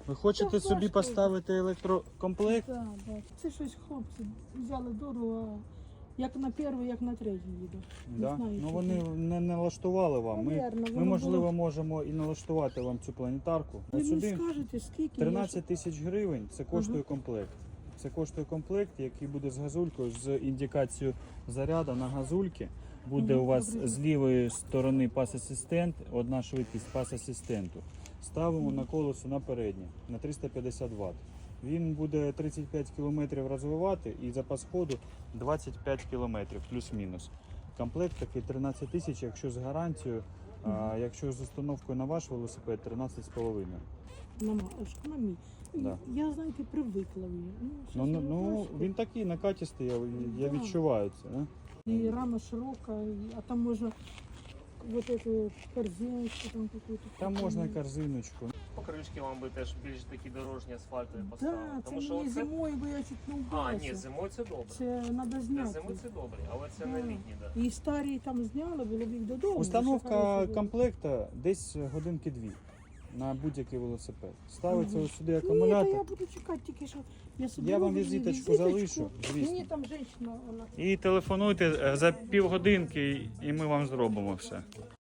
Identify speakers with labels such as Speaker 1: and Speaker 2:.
Speaker 1: Ви хочете
Speaker 2: Так,
Speaker 1: собі
Speaker 2: важко.
Speaker 1: поставити електрокомплект?
Speaker 2: Так, так. Це щось хлопці взяли дорого, як на перший, як на третій їде.
Speaker 1: Да?
Speaker 2: Не знаю,
Speaker 1: Ну
Speaker 2: що
Speaker 1: вони
Speaker 2: це.
Speaker 1: не налаштували вам.
Speaker 2: Навірно,
Speaker 1: Ми
Speaker 2: воно
Speaker 1: можливо,
Speaker 2: було.
Speaker 1: можемо і налаштувати вам цю планетарку. А
Speaker 2: Ви мені
Speaker 1: сюди
Speaker 2: скажете, скільки?
Speaker 1: 13 тисяч гривень це коштує комплект. Це коштує комплект, який буде з газулькою, з індикацією заряду на газульки. Буде у вас
Speaker 2: добре.
Speaker 1: з лівої сторони пас-асистент, одна швидкість пас-асистенту. Ставимо на колесо на переднє, на 350 Вт. Він буде 35 км розвивати і запас ходу 25 км плюс-мінус. Комплект такий 13 тисяч, якщо з гарантією, а якщо з установкою на ваш велосипед 13,5.
Speaker 2: На мій.
Speaker 1: Да.
Speaker 2: Я, знаєте, привикла в ній.
Speaker 1: Ну, він такий накатістий, я
Speaker 2: Да.
Speaker 1: відчуваю це. Да?
Speaker 2: І рама широка, а там можна вот эту корзиночку там какую-то.
Speaker 1: Там можна корзиночку.
Speaker 3: Покришки вам би теж більш такі дорожні асфальтові
Speaker 2: Да,
Speaker 3: поставили.
Speaker 2: це
Speaker 3: Тому що
Speaker 2: мені
Speaker 3: оце...
Speaker 2: зимою, бо я чуть не
Speaker 3: А,
Speaker 2: вбилася.
Speaker 3: ні, зимою це добре.
Speaker 2: Це треба
Speaker 3: Для
Speaker 2: зняти.
Speaker 3: зими це добре, але це
Speaker 2: Да.
Speaker 3: не літні, да.
Speaker 2: І старі там зняли, було б їх додому.
Speaker 1: Установка комплекта десь годинки-дві на будь-який велосипед. Ставиться ось сюди
Speaker 2: Ні, та
Speaker 1: акумулятор.
Speaker 2: я буду чекати тільки, що я собі
Speaker 1: Я вам
Speaker 2: роблю
Speaker 1: візиточку залишу, звісно.
Speaker 2: Мені там жінка, вона
Speaker 1: І телефонуйте за півгодинки, і ми вам зробимо все.